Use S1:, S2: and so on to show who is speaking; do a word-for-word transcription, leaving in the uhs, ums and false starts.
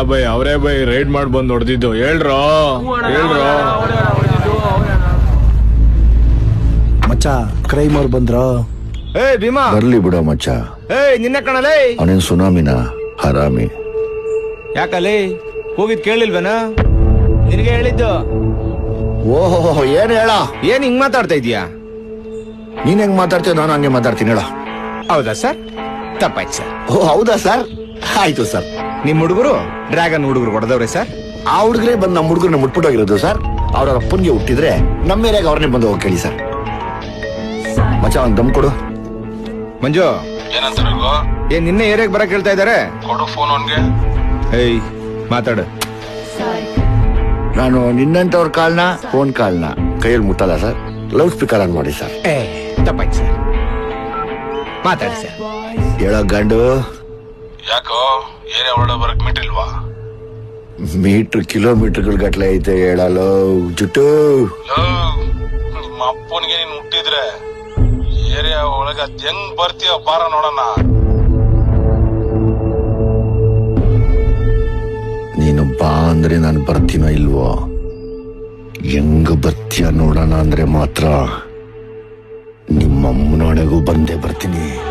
S1: By ಅವರೇ by ride ಮಾಡಿ ಬಂದ್ ಹೊಡೆದಿದ್ದು ಹೇಳ್ರೋ ಹೇಳ್ರೋ
S2: ಮಚ್ಚ ಕ್ರೈಮ್ ಅವ್ರು ಬಂದ್ರ?
S1: ಏ ಭೀಮಾ
S3: ಬರ್ಲಿ ಬಿಡೋ ಮಚ್ಚ.
S1: ಏಯ್ ನಿನ್ನೆ ಕಣಲೇ
S3: ಅವನೇನ್ ಸುನಾಮಿನ ಹರಾಮಿ.
S1: ಯಾಕಲೇ ಹೋಗಿದ್ ಕೇಳಿಲ್ವೇನ? ನಿನಗೆ ಹೇಳಿದ್ದು.
S3: ಓಹೋ ಏನ್ ಹೇಳ,
S1: ಏನ್ ಹಿಂಗ್ ಮಾತಾಡ್ತಾ ಇದೀಯಾ?
S3: ನೀನ್ ಹೆಂಗ್ ಮಾತಾಡ್ತೀಯ ನಾನು ಹಂಗೆ ಮಾತಾಡ್ತೀನಿ ಹೇಳ.
S1: ಹೌದಾ ಸರ್? ತಪ್ಪಾಯ್ತು ಸರ್.
S3: ಓ ಹೌದಾ ಸರ್, ಆಯ್ತು ಸರ್.
S1: ನಿಮ್ ಹುಡುಗರು ಡ್ರ್ಯಾಗನ್ ಹುಡುಗರು ಹೊಡೆದವ್ರೆ ಸರ್.
S3: ಆ ಹುಡುಗರೇ ಬಂದು ನಮ್ಮ ಹುಡುಗರನ್ನ ಮುಟ್ಬಿಟ್ಟೋಗಿರೋದು ಸರ್. ಅವ್ರ ಅಪ್ಪನ್ಗೆ ಹುಟ್ಟಿದ್ರೆ ನಮ್ಮ ಏರಿಯಾಗ ಅವ್ರನ್ನೇ ಬಂದು ಹೋಗಿ ಕೇಳಿ ಸರ್. ಮಚ್ಚ ಒಂದ್ ದಮ್ ಕೊಡು.
S1: ಮಂಜು
S4: ಏನಂತಾರೆ
S1: ಏನ್ ನಿನ್ನೆ ಏರಿಯಾಗ ಬರಕ್ ಹೇಳ್ತಾ ಇದಾರೆ?
S4: ಕೊಡು ಫೋನ್ ಅವನ್ಗೆ.
S1: ಏಯ್ ಮಾತಾಡು.
S3: ನಾನು ನಿನ್ನಂತವ್ರ ಕಾಲ್ನ ಫೋನ್ ಕಾಲ್ನ ಕೈಯಲ್ಲಿ ಮುಟ್ಟಲ್ಲ ಸರ್. ಲೌಡ್ ಸ್ಪೀಕರ್ ಆನ್ ಮಾಡಿ ಸರ್.
S1: ಏ ತಪ್ಪಾಯ್ತು ಸರ್. ಮಾತಾಡಿ ಸರ್.
S3: ಹೇಳೋ ಗಂಡು.
S4: ಯಾಕೋ ಏರಿಯಾ ಒಳಗಡೆ ಬರಕ್ ಮಿಟ್ಟಿಲ್ವಾ?
S3: ಮೀಟರ್ ಕಿಲೋಮೀಟರ್ಗಳ ಗಟ್ಲೆ ಐತೆ ಹೇಳಲು ಜುಟ್ಟು.
S4: ನಿಮ್ಮ ಅಪ್ಪನಿಗೆ ನೀನ್ ಹುಟ್ಟಿದ್ರೆ ಏರಿಯಾ ಒಳಗ ಅದ್ ಹೆಂಗ್ ಬರ್ತೀಯ ಬಾರ ನೋಡೋಣ.
S3: ನೀನು ಬಾ ಅಂದ್ರೆ ನಾನು ಬರ್ತೀನೋ ಇಲ್ವೋ? ಹೆಂಗ ಬರ್ತೀಯ ನೋಡೋಣ ಅಂದ್ರೆ ಮಾತ್ರ ನಿಮ್ಮಮ್ಮನೊಳಗೂ ಬಂದೇ ಬರ್ತೀನಿ.